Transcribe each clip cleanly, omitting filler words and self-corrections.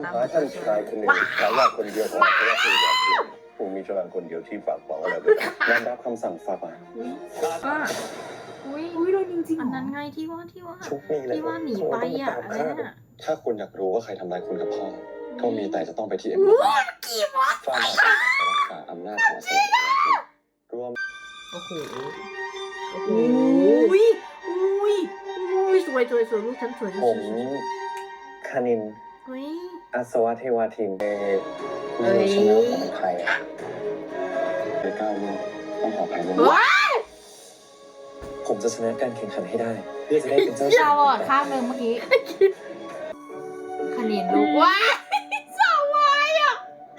หาท่านชายคนหนึ่งฉายาคนเดียวของพระสุริยาคุณผมมีฉลามคนเดียวที่ฝากบอกอะไรไว้น้อมรับคำสั่งฝากมาก็อุ้ยโดนจริงๆอันนั้นไงที่ว่าชุกนี่เลยที่ว่าหนีไปอ่ะอะไรน่ะถ้าคุณอยากรู้ว่าใครทำร้ายคุณกับพ่อก็มีแต่จะต้องไปที่เอ็มฟ้าบาทรักษาอำนาจของสถาบันรวมโอ้โหอุ้ยสวยลูกฉันสวยผมคณินเฮ้ยอาสวะเทวาทินไม่รู้ใช่ไหมว่าผมเป็นใครอ่ะไม่กล้าเลือกต้องขออภัยด้วยผมจะชนะการแข่งขันให้ได้ เพื่อจะได้เป็นเจ้าชายดาวอ่ะข้างหนึ่งเมื่อกี้คณินลูกว้าสาววายอ่ะ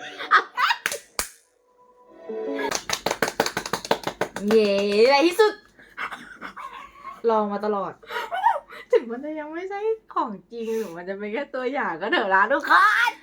เย้ในที่สุด ลองมาตลอด ถึงมันจะยังไม่ใช่ของจริงหรือมันจะเป็นแค่ตัวอย่างก็เถอะนะทุกคน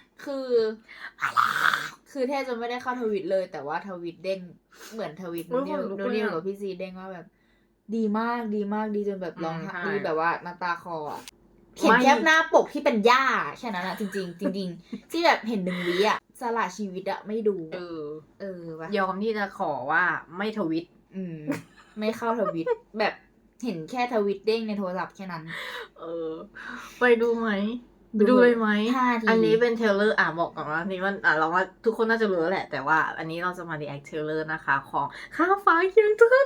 คือแทบจะไม่ได้เข้าทวิตเลย แต่ว่าทวิตเด้งเหมือนทวิตนูนิวกับพี่ซีเด้งว่าแบบ ดีมากดีจนแบบร้องไห้ดีแบบว่าน้ำตาคลออ่ะเห็นแค่หน้าปกที่เป็นย่าแค่นั้นอะจริงที่แบบเห็น1 วิอะสละชีวิตอะไม่ดูปะยอมที่จะขอว่าไม่ทวิตไม่เข้าทวิต แบบเห็นแค่ทวิตเด้งในโทรศัพท์แค่นั้นไปดูไหมดูเลยไหม 5 ทีอันนี้เป็นเทรลเลอร์บอกก่อนว่านี่มันเราว่าทุกคนน่าจะรู้แล้วแหละ แต่ว่าอันนี้เราจะมารีแอคเทรลเลอร์นะคะ ของข้าวฟ้าเคียงเธอ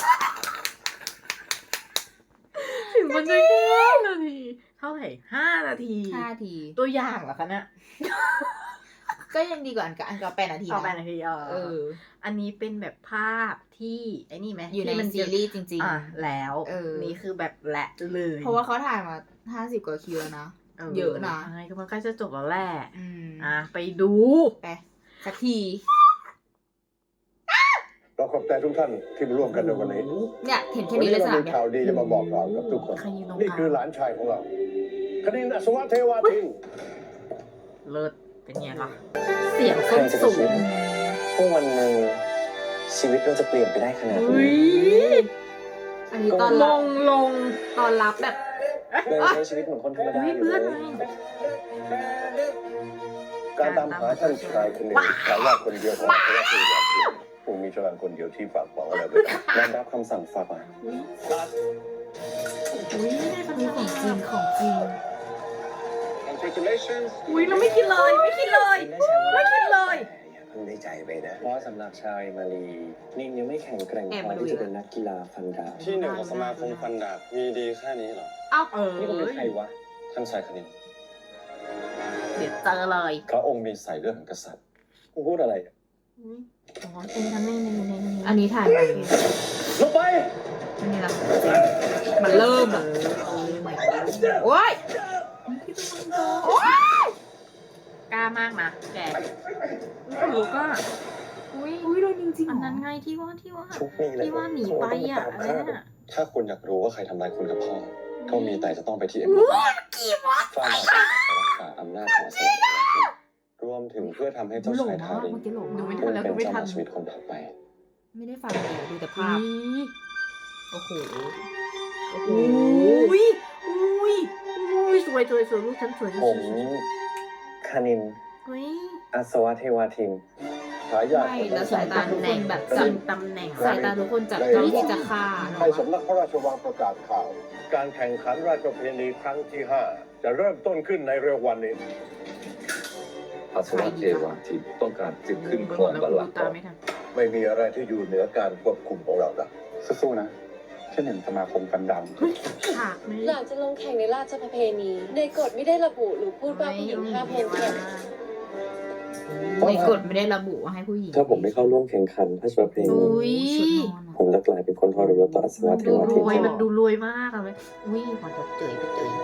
ถึงมันจะแค่นาทีเท่าไหร่5 นาที 5 ทีตัวอย่างเหรอคะเนี่ยก็ยังดีกว่าอันกับ8 นาทีเอานะไปนาทีอันนี้เป็นแบบภาพที่ไอ้นี่ไหมอยู่ในที่มัซีรีส์จริงแล้วๆนี่คือแบบแหละเลยเพราะว่าเขาถ่ายมา50 กว่าคิวแล้วนะ เยอะนะใช่ก็มันใกล้จะจบแล้วแหละ ไปดูไปสักทีเราขอบใจทุกท่านที่มาร่วมกันในวันนี้เนี่ยเห็นแค่วันนี้นี้เลยสเรานามมีเนี่ยข่าวดีจะมาบอกกล่าวกับทุกคนใครยืนตรงกลางนี่คือหลานชายของเราคณินอัศวะเทวาทินเลิศเป็นไงล่ะ เสียงส้นสูงพวกวันหนึ่งชีวิตเราจะเปลี่ยนไปได้ขนาดนี้อันนี้ตอนลรับงตอนรับแบบเลยใช้ชีวิตเหมือนคนธรรมดาอยู่เพื่อนเลไงยการตามหาท่านชายคนหนึ่งฉายาคนเดียวของพระสุริยาคุณผมมีฉลามคนเดียวที่ฝากบอกอะไรไว้น้อมรับคำสั่งฝากมาอุ้ยได้คำนี่สั่งของจริง Congratulations อุ้ยเราไม่คิดเลย ไม่คิดเลยอย่าเพิ่งได้ใจไปนะ เพราะสำหรับชาวมาลีนิ่งยังไม่แข็งแกร่งพอที่จะเป็นนักกีฬาฟันดาบที่หนึ่งของสมาคมฟันดาบมีดีแค่นี้เหรอ นี่ก็เป็นใครวะ ท่านชายคณินเดี๋ยวเจอเลยพระองค์มีสายเลือดของกษัตริย์มึงพูดอะไรอ่ะเป็นกันในอันนี้ถ่ายไปลงไปอันนี้ละมันเริ่มอะโอ๊ยกล้ามากนะแกคนรู้ก็อุ้ยโดนจริงๆอันนั้นไงที่ว่าชุกนี่เลยที่ว่าหนีไปอ่ะอะไรน่ะถ้าคุณอยากรู้ว่าใครทำร้ายคุณกับพ่อ ก็มีแต่จะต้องไปที่เอ็มฟ้าบาทรักษาอำนาจของสถาบันรวมถึงเพื่อทำให้เจ้าชายทารินเมื่อกี้หลงดูมากไม่ทันแล้วเป็ดูนไม่เจ้าทันชีวิตคนถัดไปไม่ได้ฟังเลยดูแต่ภาพโอ้โหอุ้ยสวยลูกฉันสวยผมคณินเฮ้ยอาสวะเทวาทินฉายาไม่แล้วสายตาทุกคนแบบจับตำแหน่งสายตาทุกคนจับจ้องที่จะฆ่าเนาะให้สำนักพระราชวังประกาศข่าว การแข่งขันราชประเพณีครั้งที่ 5 จะเริ่มต้นขึ้นในเร็ววันนี้อาสวะเทวาทินต้องการจึงขึ้นครองบัลลังก์ตาไม่ทันไม่มีอะไรที่อยู่เหนือการควบคุมของเราละสู้ๆนะแค่เห็นสมาคมฟันดำฉากนี้หลังจะลงแข่งในราชประเพณี ในกฎไม่ได้ระบุหรือพูดว่าผู้หญิงห้ามลงแข่งในกฎไม่ได้ระบุว่าให้ผู้หญิงถ้าผมไม่เข้าร่วมแข่งขันพระราชประเพณีอุ้ยชุดนอนอะผมจะกลายเป็นคนทรยศต่ออาสวะเทดูวาร ทินวยมันดูรวยมากอะเลยอุ้ยขอจบเจยไปเจย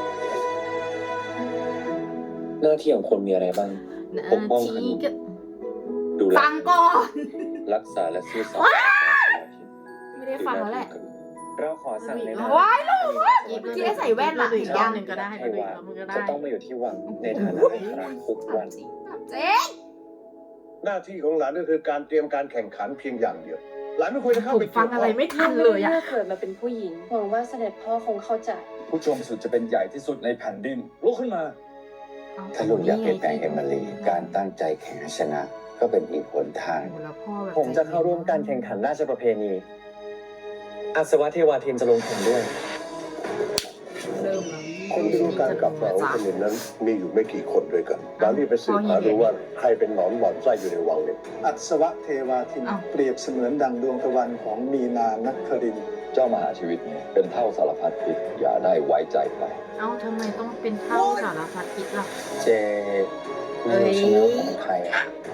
หน้าที่ของคนมีอะไรบ้าง ปกป้องคณิน ดูแลฟังก่อนรักษาและซื่อสัตย์ต่ออาสวะทินไม่ได้ฟังแล้วแหละเราขอสั่งเลยนะว้ายลูกที่ได้ใส่แว่นอะอีเห็กนรอยับงหนึ่งก็ได้ให้ดูอีว่ากรอบหนึ่งก็จะได้ต้องมาอยู่ที่วังในฐานะอัครทุกวันเจ๊หน้าที่ของหลานก็คือการเตรียมการแข่งขันเพียงอย่างเดียว หลานไม่ควรจะเข้าผไปมฟังอะไรไม่ทันเลยอะเลือกเกิดมาเป็นผู้หญิง หวังว่าเสด็จพ่อคงเข้าใจผู้ชมสุดจะเป็นใหญ่ที่สุดในแผ่นดินลุกขึ้นมาถ้าลูกอยากเปลี่ยนแปลงเอมิลีการตั้งใจแข่งให้ชนะ ก็เป็นอีกหนทางโอ้แล้วพ่อแบบผมจะเข้าร่วมการแข่งขันราชประเพณีอาสวะเทวาทินจะลงแข่งด้วยเริ่มแล้วคนที่รู้การกลับมาของคนหนึ่งนั้นมีอยู่ไม่กี่คนด้วยกันเรารีบไปสืบหาดูว่าใครเป็นหนอนบ่อนไส้อยู่ในวังเนี่ยอัศวะเทวาทินเปรียบเสมือนดังดวงตะวันของมีนานักครินทร์เจ้ามหาชีวิตเนี่ยเป็นเท่าสารพัดพิษอย่าได้ไว้ใจไปเอ้าทำไมต้องเป็นเท่าสารพัดคิดล่ะเจไม่รู้ใช่ไหมว่าผมเป็นใครอะ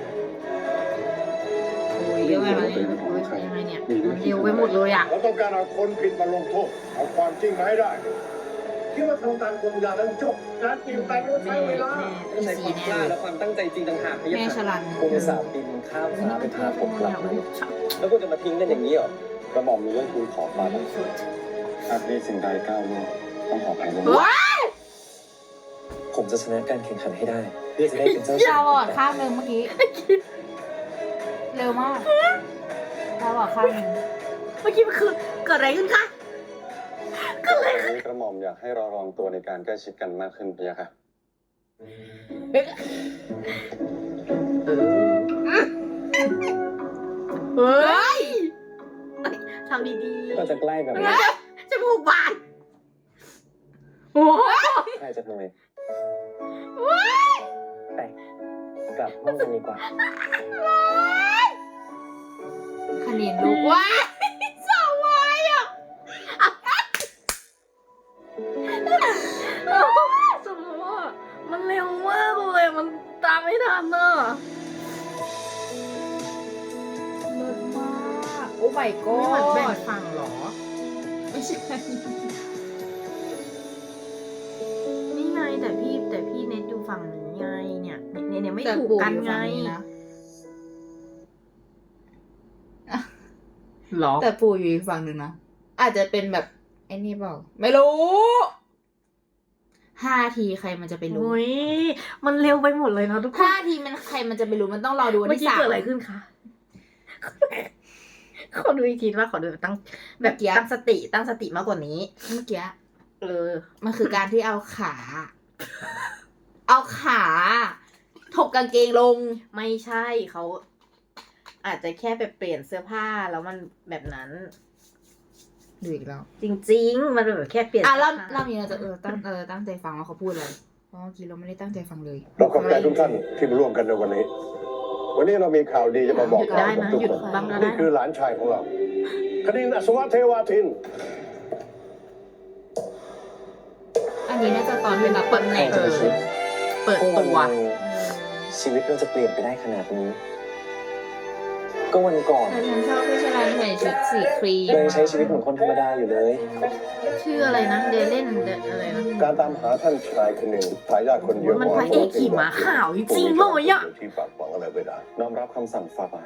โอ้ยยังไงมันยังไงเนี่ยมันเร็วไปหมดเลยอ่ะเราต้องการเอาคนผิดมาลงโทษเอาความจริงมาให้ได้คิดว่าทำตามกฎอย่างนั้นจบการเปลี่ยนแปลงต้องใช้เวลาต้องใช้ความกล้าและความตั้งใจจริงต่างหากแม่ฉลันคุณอุตส่าห์บินข้ามฟ้าไปพาผมกลับมาแล้วคุณจะมาทิ้งกันอย่างนี้เหรอกระหม่อมมีเรื่องคุณขอมาหากมีสิ่งใดก้าวล่วงต้องขออภัยด้วยผมจะชนะการแข่งขันให้ได้เพื่อจะได้เป็นเจ้าตาชายบอดข้างหนึ่งเมื่อกี้ เร็วมากตาบอดข้างหนึ่งเมื่อกี้มันคือเกิดอะไรขึ้นคะก็เลยกระหม่อมอยากให้เราลองตัวในการใกล้ชิดกันมากขึ้นพี่ค่ะเฮ้ยทำดีๆก็จะใกล้แบบนี้จมูกบานโอ้โหใครจะทำไมไปกลับห้องกันดีกว่าคณินลูกว้าสาววายอ่ะสมมติว่ามันเร็วมากเลยมันตามไม่ทันอ่ะเลิศมาก โอ้ my นี่เหมือนแบ่ง god ฝั่งเหรอไม่ใช่นี่ไงแต่พี่เน็ตอยู่ฝั่งนี้ไงเนี่ยไม่แต่ถูกปู่กันอยู่ไงฝั่งนี้นะหรอแต่ปู่อยู่อีกฝั่งหนึ่งนะ อาจจะเป็นแบบไอ้นี่เปล่า ไม่รู้5 ทีใครมันจะไปรู้โอ้ยมันเร็วไปหมดเลยเนาะทุกคน 5 ทีมันใครมันจะไปรู้มันต้องรอดูวันเมื่อที่กี้ 3 เกิดอะไรขึ้นคะ ขอดูอีกทีว่าขอดูตั้งแบบตั้งสติมากกว่านี้เมื่อกี้มันคือการที่เอาขา เอาขาถกกางเกงลงไม่ใช่เขาอาจจะแค่ไปเปลี่ยนเสื้อผ้าแล้วมันแบบนั้นดูอีกแล้วจริงๆ มันแบบแค่เปลี่ยนเราสื้ผ้เรามีเราจะตั้งใจฟังว่าเขาพูดอะไรเพราะเมื่อกี้เราไม่ได้ตั้งใจฟังเลยเราขอบใจทุกท่านที่มาร่วมกันในวันนี้ วันนี้เรามีข่าวดีจะมาบอกหยุดกล่าได้วกับนะทุกหยุดคนบ้างก็ได้นี่คือหลานชายของเราคณินอัศวะเทวาทินอันนี้น่าจะตอนที่รับเปิดตำแหแหน่น่งงเปิดตัวชีวิตเราจะเปลี่ยนไปได้ขนาดนี้ ก็วันก่อนแต่ฉันชอบพี่ชลันใส่ชุดสีครีมเรายังใช้ชีวิตเหมือนคนธรรมดาอยู่เลยชื่ออะไรนะเดเล่นอะไรนะการตามหาท่านชายคนหนึ่งทายาทคนเดียวมันพระเอกขี่ม้าขาวจริงๆเลยอะที่ฝากฝังอะไรไม่ได้น้อมรับคำสั่งฝ่าบาท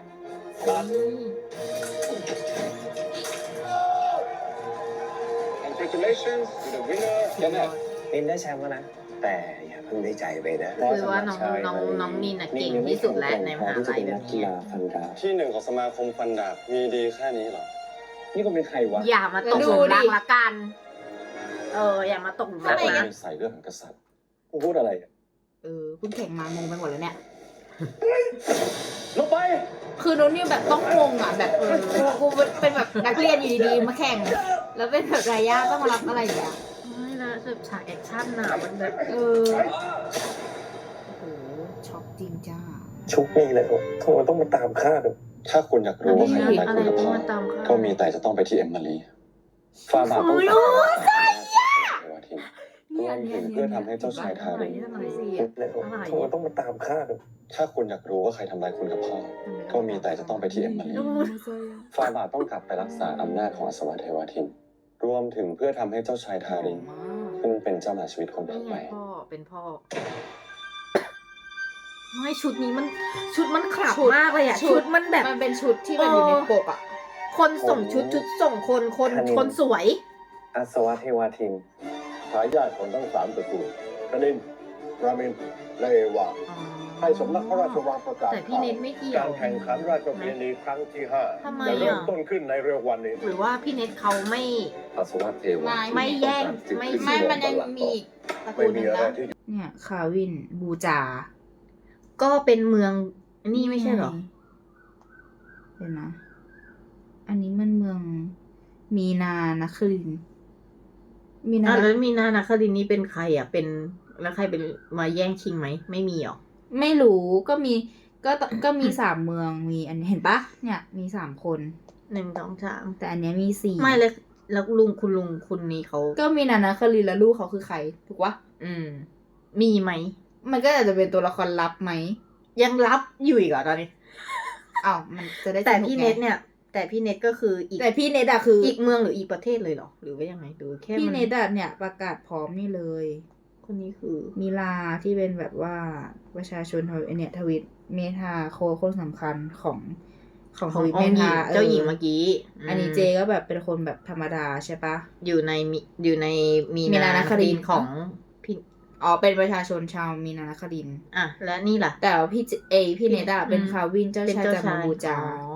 Congratulations to the winner นินได้แชมป์แล้วนะ แต่อย่าเพิ่งได้ใจไปนะคือว่าน้องนินน่ะเก่งที่สุดแล้วในมหาลัยแบบกีนี้ฬาฟันดาบที่หนึ่งของสมาคมฟันดาบมีดีแค่นี้เหรอ นี่ก็เป็นใครวะอย่ามาตกหลุมรักละกัน อย่ามาตกหลุมรักนะใส่เรื่องของกษัตริย์พูดอะไรอะเพิ่งแข่งมางงไปหมดแล้วเนี่ยลงไปคือโน้นนี่แบบต้องงงอ่ะแบบกูเป็นแบบนักเรียนอยู่ดีๆมาแข่ง แล้วเป็นแบบรายาต้องมารับอะไรอย่างเงี้ยไม่นะแบบฉากแอคชั่นน่ะมันแบบโอ้โหช็อกจริงจ้าชุกนี่เลยทำไมต้องมาตามฆ่าด้วยถ้าคุณอยากรู้ว่าใครทำร้ายอะไรคุณกับที่พ่อมาตามเขาก็มีแต่จะต้องไปที่เอมมารีฟาบาต้องโอ้ยรวมถึงเพื่อทำให้เจ้าชายทารินอะไรสิทำไมต้องมาตามฆ่าด้วยถ้าคุณอยากรู้ว่าใครทำร้ายคุณกับพ่อ ก็มีแต่จะต้องไปที่เอมมารีฟาบาต้องกลับไปรักษาอำนาจของอัศวะเทวทิน รวมถึงเพื่อทำให้เจ้าชายทารินขึ้นเป็นเจ้ามหาชีวิตคนต่นี่อไงไปพ่อเป็นพ่อ ไม่ชุดนี้มันขลับมากเลยอ่ะ ชุดมันแบบมันเป็นชุดที่แบบอยู่ในปกอ่ะคนส่งชุดส่งคนสวยอัศวะเทวทินทายาทของทั้ง3ตระกูลคณินรามินและเอวาให้สำนักพระราชวังประกาศแต่พี่เน็ตไม่เกี่ยวการแข่งขันราชประเพณีครั้งที่ทำไม 5 อ่ะจะเริ่มต้นขึ้นในเร็ววันนี้หรือว่าพี่เน็ตเขาไม่อัศวะเทวาไม่แย่งไม่ไม่มันยังมีอีกตระกูไม่ลหมีนึ่งอะไรนะที่เนี่ยคาวินบูจาก็เป็นเมืองนี่ไม่ใช่เหรอเดี๋ยวนะ อันนี้มันเมืองมีนานะครินทร์มีนาแล้วมีนานาคดินนี่เป็นใครอ่ะ เป็นแล้วใครเป็นมาแย่งชิงไหม ไม่มีหรอไม่รู้ก็มี3 เมืองมีอันนี้เห็นปะเนี่ยมี3 คน 1 2 3 แต่อันเนี้ยมี4 ไม่เลยแล้วลุงคุณนี้เขาก็มีนานาครินทร์แล้วลูกเขาคือใครถูกปะมีไหมมันก็อาจจะเป็นตัวละครลับไหมยังรับอยู่อีกเหรอตอนนี้อ้าวมันจะได้แต่สนุกพี่ไงเน็ตเนี่ย แต่พี่เน็ตก็คืออีกแต่พี่เน็ตอะคืออีกเมืองหรืออีกประเทศเลยเหรอ หรือว่ายังไงดูแค่พี่มันเน็ตอะเนี่ยประกาศพร้อมนี่เลยคนนี้คือมิลาที่เป็นแบบว่าประชาชนเนี่ยทวิตเมธาคนสำคัญของทวิตเมธาเจ้าหญิงเมื่อกี้อันนี้เจก็แบบเป็นคนแบบธรรมดาใช่ปะอยู่ในมีมีนานาคดินของพี่อ๋อเป็นประชาชนชาวมีนานาคดินอ่ะและนี่ล่ะแต่ว่าพี่เนดาเป็นคาวินเจ้าชายจากมาบูจาอ๋อ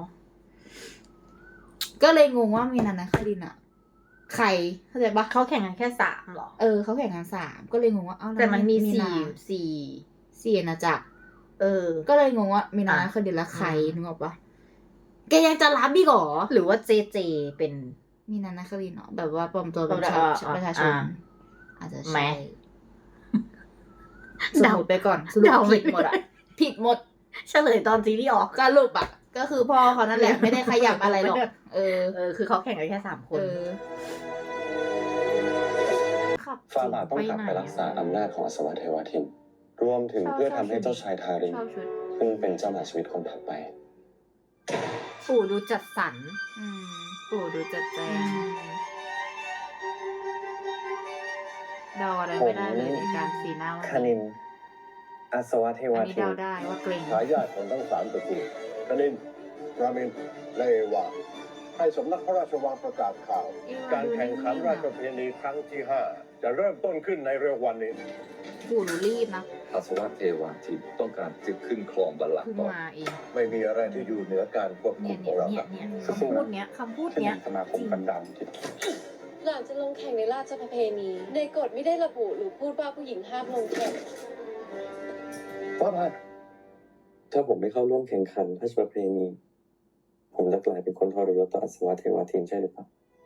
ก็เลยงงว่ามีนานาคดินอะใครเข้าใจปะเขาแข่งกันแค่3หรอเขาแข่งกัน3ก็เลยงงว่าเอ้าแต่มันมีนา สี่อาณาจักร ก็เลยงงว่ามีนานาคดินและใครนึกออกปะแกยังจะรับอีกเหรอหรือว่าเจเป็นมีนานาคดินเนาะแบบว่าปลอมตัวเป็นประชาชนอาจจะแหมใช่สมมติไปก่อนสรุปเดาไม่ผิดหมดอะผิดหมดเฉลยตอนซีรีส์ออกสรุปอะก็คือพ่อเขานั่นแหละไม่ได้ขยับอะไรหรอกคือเขาแข่งกันแค่3 คน ขับฟาบาทต้องกลับไปรักษาอำนาจของอสวเทวทิน รวมถึงเพื่อทำให้เจ้าชายทารินชอบชุดขึ้นเป็นเจ้ามหาชีวิตคนถัดไปปู่ดูจัดสรรอืมปู่ดูจัดแจงเดาอะไรไม่ได้เลยในการสีหน้าคณินอาสวะเทวอันนี้ทินเดาได้ว่าเกรงทายาทของทั้ง3 ตระกูลคณินรามินและเอวาให้สำนักพระราชวังประกาศข่าว การแข่งขันราชประเพณีครั้งที่ 5 จะเริ่มต้นขึ้นในเร็ววันนี้ปู่รู้รีบนะอาสวะเทวาทินต้องการจะขึ้นครองบัลลังเพิ่งก์ต่อมาเองไม่มีอะไรที่อยู่เหนือการควบคุเนี่ยมของเราครับคำพูดเนี้ยที่สมาคมกันดำที่หลังจะลงแข่งในราชประเพณี ในกฎไม่ได้ระบุหรือพูดว่าผู้หญิงห้ามลงแข่งฟาบาทถ้าผมไม่เข้าร่วมแข่งขันพระราชประเพณี ผมจะกลายเป็นคนทรยศต่ออาสวะเทวทินใช่หรือเปล่า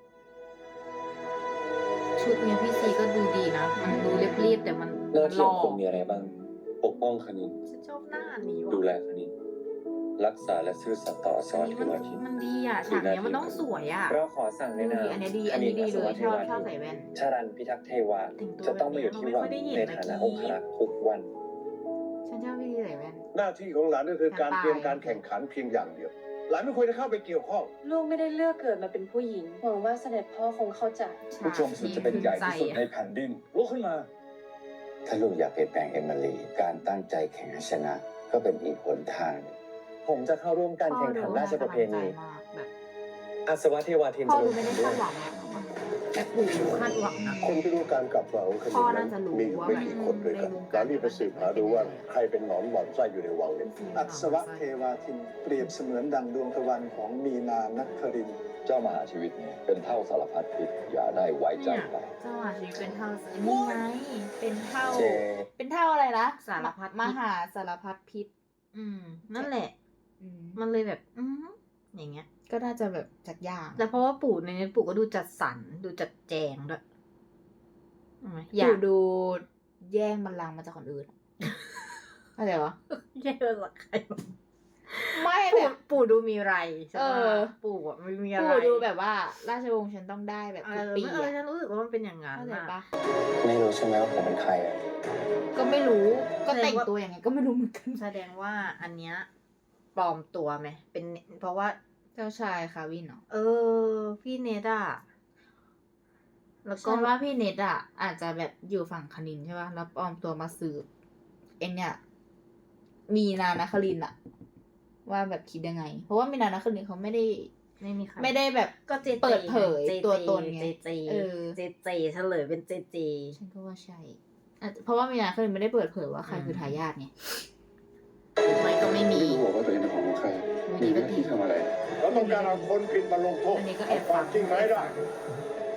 ชุดเนี้ยพี่ซีก็ดูดีนะ มันดูเรียบๆแต่มันหน้าที่หล่ขอองคุณมีอะไรบ้างปกป้องคณินฉันชอบหน้านี้ดูว่ะแลคณิน รักษาและซื่อสัตย์ต่ออาสอันวะนี้เทมันวทินมันดีอ่ะฉากเนี้ยมันต้องสวยอ่ะเราขอสั่งในนามอันนี้ดีเลยชอบใส่แว่นชารันพิทักษ์เทวาแต่งตัวจะต้องมาอยู่ที่วังแบบนี้ในเราไม่ค่อยได้เห็นฐานะเมื่ออง กี้ครักษ์ทุกวันฉันชอบพี่ใส่แว่นหน้าที่ของหลานก็คือการตายเตรียมการแข่งขันเพียงอย่างเดียว หลานไม่ควรจะเข้าไปเกี่ยวข้องลูกไม่ได้เลือกเกิดมาเป็นผู้หญิง หวังว่าเสด็จพ่อคงเข้าใจผู้ชมสุดจะเป็นใหญ่ที่สุดในแผ่นดินลุกขึ้นมาถ้าลูกอยากเปลี่ยนแปลงเอมิลี การตั้งใจแข่งให้ชนะ ก็เป็นอีกหนทาง ผมจะเข้าร่วมการแข่งขันราชประเพณีแบบอาสวะเทวทินพ่อจะลดูงไม่ได้แข่งด้คาวยดหวังอะแต่ปู่ดูคาดหวังนะคนที่รู้การกลับมาของคณิพ่อน น่านั้นจะรู้มีอยู่ว่าไม่กี่คนด้วยกันในวงหการลานรีบไปสืบหาดูว่าใครเป็นหนอนหมอนไส้อยู่ในวังนี้อัศวะเทวาทินเปรียบเสมือนดังดวงตะวันของมีนานักครินทร์เจ้ามหาชีวิตเนี่ยเป็นเท่าสารพัดพิษอย่าได้ไว้ใจไปเจ้าหมาชีวิตเป็นเท่านี่ไงเป็นเท่าเจเป็นเท่าอะไรนะสารพัดพิษมหาสารพัดพิษนั่นแหละอืมมันเลยแบบ อย่างเงี้ยก็น่าจะแบบจากอย่างแต่เพราะว่าปู่ในนี้ปู่ก็ดูจัดสรรดูจัดแจงด้วยใช่ไหมอยาปู่กดูแย่งบัลลังก์มาจากคนอื่นอะไรวะแย่ละใครวะไม่ปู่แบบปู่ดูมีไรใช่ไหมเออปู่อะไม่มีอะไรปู่ดูแบบว่า ราชวงศ์ฉันต้องได้แบบเอทุกอปีไม่อะฉันรู้สึกว่ามันเป็นอย่างนั้นเข้าใจอะปะไม่รู้ใช่ไหมว่าผมเป็นใครอะก็ไม่รู้ก็แสดงแต่งว่าตัวอย่างไงก็ไม่รู้เหมือนกันแสดงว่าอันเนี้ยปลอมตัวไหมเป็นเพราะว่าเจ้าชายคาวินเนาะพี่เนดอะแล้วก็ก็ว่าพี่เน็ตอ่ะ อาจจะแบบอยู่ฝั่งคณินใช่ป่ะแล้วปลอมตัวมาสืบเนี่ยมีนานาครินทร์อะว่าแบบคิดยังไง เพราะว่ามีนานาครินทร์เขาไม่ได้ไม่มีใครไม่ได้แบบก็เจเปิดเผยตัวตนไงเจเออเฉลยเป็นเจฉันก็ว่าใช่อาจจะเพราะว่ามีนาครินทร์ไม่ได้เปิดเผยว่าใครคือทายาทไงไม่ก็ไม่มีไม่รู้ว่าตัวเองเป็นของใคร มีหน้าที่ทำอะไรเราต้องการเอาคนผิดมาลงโทษอันนี้ก็แอบเอาความจริงมาให้ได้ฟ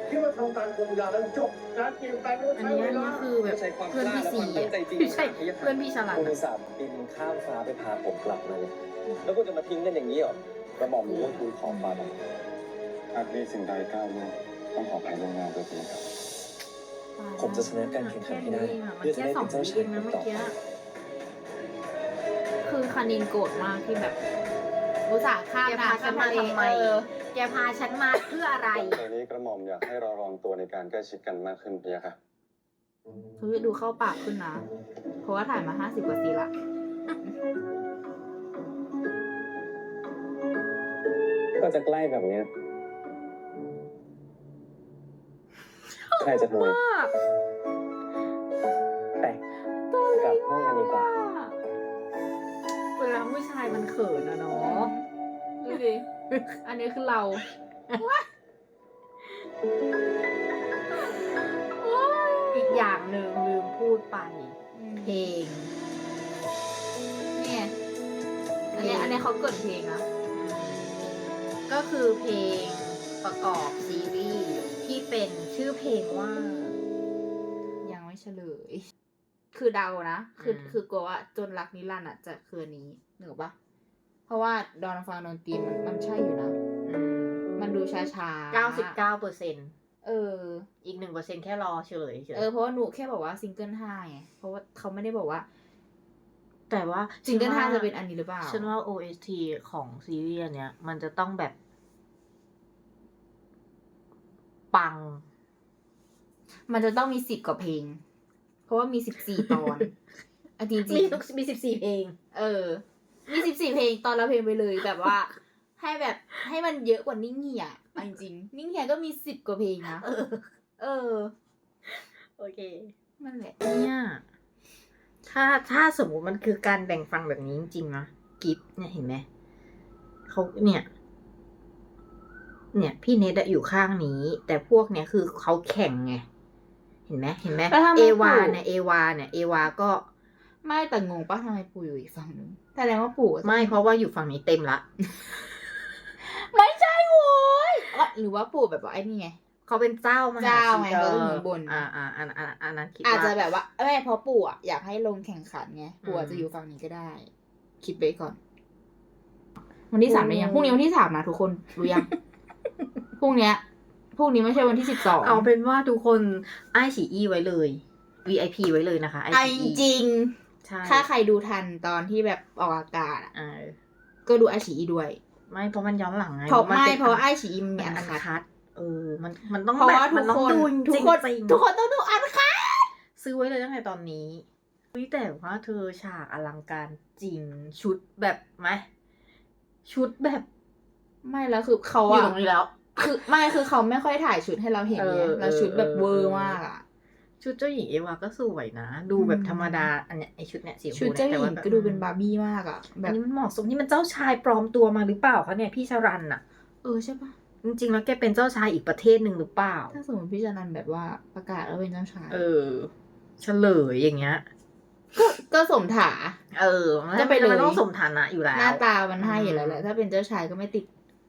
คิดว่าทำการปรุงยาแล้วจบการเปลี่ยนแปลงต้องอันใช้นี้เวอันลานี้คือแบบใช้ความเพื่อนพี่ซีกล้าและความตั้งใจจริงไม่ใช่เพื่อนพี่ฉลาดคุณอุตส่าห์บินข้ามฟ้าไปพาผมกลับมาเนี่ยแล้วคุณจะมาทิ้งกันอย่างนี้เหรอ กระหม่อมรู้ว่าคุณของฟ้าอะไรหากมีสิ่งใดก้าวล่วงต้องขออภัยล่วงหน้าด้วยทีครับ ผมจะชนะการแข่งขันให้ได้มันแค่สองวิเองนะเมื่อกี้คือคานินโกรธมากที่แบบอุตส่าห์ข้ามแกพาฉันมาทำไม แกพาฉันมาเพื่ออะไรตอนนี้กระหม่อมอยากให้เราลองตัวในการใกล้ชิดกันมากขึ้นพี่ค่ะเฮ้ยดูเข้าปากขึ้นนะ เพราะว่าถ่ายมา50 กว่าซีนละก็จะใกล้แบบเนี้ยใครจะรวยไปกลับห้องกันดีกว่าเวลาผู้ชายมันเขินอะเนาะดูดิ อันนี้คือเราอีกอย่างหนึ่งลืมพูดไป เพลงเนี่ยอันนี้เขาเกิดเพลงนะก็คือเพลงประกอบซีรีส์ที่เป็นชื่อเพลงว่ายังไม่เฉลย คือเดานะ คือกลัวว่าจนรักนิรันดร์อ่ะจะคืออันนี้เหนือปะเพราะว่าดอนฟังดนตรีมันใช่อยู่นะ มันดูช้าๆ 99% เอออีก 1% แค่รอเฉลยเฉยเพราะว่าหนูแค่บอกว่าซิงเกิล5ไง เพราะว่าเขาไม่ได้บอกว่าแต่ว่าซิงเกิล5จะเป็นอันนี้หรือเปล่าฉันว่า OST ของซีรีส์เนี้ยมันจะต้องแบบ ปังมันจะต้องมี10 กว่าเพลง เพราะว่ามี14 ตอนอ่ะจริงมี14 เพลงๆมี14 เพลงตอนละเพลงไปเลยแบบว่า ให้มันเยอะกว่านิ่งเหี่ยเอาจริงๆนิ่งเหี่ยก็มี10 กว่าเพลงนะโอเคนั่นแหละเนี่ยถ้าสมมติมันคือการแบ่งฟังแบบนี้จริงๆนะกิฟเนี่ยเห็นไหมเขาเนี่ย พี่เนทอะอยู่ข้างนี้ แต่พวกเนี่ยคือเขาแข่งไงเห็นไหมเอวาก็ไม่แต่งงปะทำไมปู่อยู่อีกฝั่งนึงแสดงว่าปู่ไม่เพราะว่าอยู่ฝั่งนี้เต็มละไม่ใช่โว้ยหรือว่าปู่แบบว่าไอ้นี่ไงเขาเป็นเจ้ามหาเจ้าชีไงเตอเขาร์อยู่บนอันนั้นคิดอาจว่าจะแบบว่าไม่เพราะปู่อะอยากให้ลงแข่งขันไงปู่อาจจะอยู่ฝั่งนี้ก็ได้ คิดไปก่อน วันที่ 3ได้ยังพรุ่งนี้วันที่ 3นะทุกคนรู้ยัง พรุ่งนี้ไม่ใช่วันที่ 12 เอาเป็นว่าทุกคนไอฉีอีไว้เลย VIP ไว้เลยนะคะไอไอ้ฉีจริงใช่ถ้าใครดูทันตอนที่แบบออกอากาศอะ ก็ดูไอฉีอีด้วยไม่เพราะมันย้อนหลังไงเพราะมันเป็นเพราะไอฉีอีมันมีอัอันนคัดคัดมันต้องเพราะว่าแบบมันต้องดูจริงทุกคนต้องดูอันคัดซื้อไว้เลยตั้งแต่ตอนนี้แต่ว่าเธอฉากอลังการจริงชุดแบบไหมชุดแบบไม่แล้วคือเขาอยู่อะตรงนี้แล้วคือเขาไม่ค่อยถ่ายชุดให้เราเห็นไงแล้วชุดแบบเวอร์มากอะชุดเจ้าหญิงเอวาก็สวยนะ ดูแบบธรรมดาอันเนี้ยไอชุดเนี้ยสีชมชุดพูเจ้าเนี่ยหแต่ญิว่าง แบบก็ดูเป็นบาร์บี้มากอะแบอันบนี้มันเหมาะสมนี่มันเจ้าชายปลอมตัวมาหรือเปล่าคะเนี่ยพี่ชรันน่ะใช่ปะจริงๆแล้วแกเป็นเจ้าชายอีกประเทศหนึ่งหรือเปล่าถ้าสมมติพี่จานันแบบว่าประกาศแล้วเป็นเจ้าชายเฉลยอย่างเงี้ยก็สมถาจะไปเลยมันต้องสมฐานะอยู่แล้วหน้าตามันให้อยู่แล้วแหละถ้าเป็นเจ้าชายก็ไม่ติด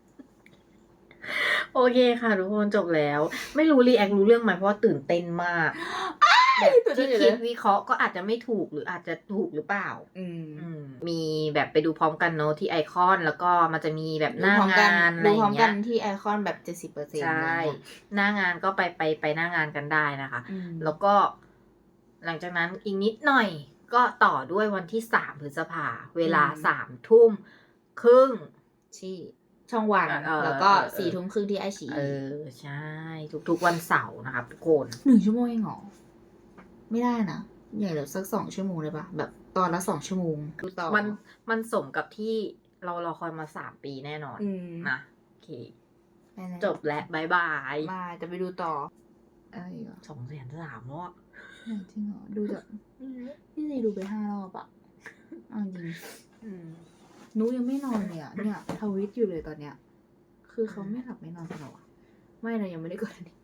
โอเคค่ะทุกคนจบแล้ว ไม่รู้รีแอครู้เรื่องไหมเพราะว่าตื่นเต้นมากแบบที่คิดวิเคราะห์ก็อาจจะไม่ถูกหรืออาจจะถูกหรือเปล่ามีแบบไปดูพร้อมกันเนอะที่ไอคอนแล้วก็มันจะมีแบบหน้างานอะไรดูอพร้อมย่างกัเงี้นยที่ไอคอนแบบ 70% ใช่หน้างานก็ไปหน้างานกันได้นะคะ แล้วก็ หลังจากนั้นอีกนิดหน่อยก็ต่อด้วยวันที่3 พฤษภาเวลา3 ทุ่มครึ่งที่ช่องวัน แล้วก็4 ทุ่มครึ่งที่ไอฉีใช่ทุกๆวันเสาร์นะครับทุกคน 1 ชั่วโมงเองเหรอไม่ได้นะอย่างเดี๋ยวสัก2 ชั่วโมงเลยปะแบบตอนละ2 ชั่วโมงดูต่อมันสมกับที่เรารอคอยมา3 ปีแน่นอนนะโอเคจบและบายบายมาจะไปดูต่ออะไรอีกอ่ะ 203,000แล้วอะจริงเหรอดูจากพี่ซีดูไป5 รอบอะเอาจริงนุยังไม่นอนเลยอะเนี่ยทวิตอยู่เลยตอนเนี้ยคือเขาไม่หลับไม่นอนกันหรอไม่นะยังไม่ได้กดอันนี้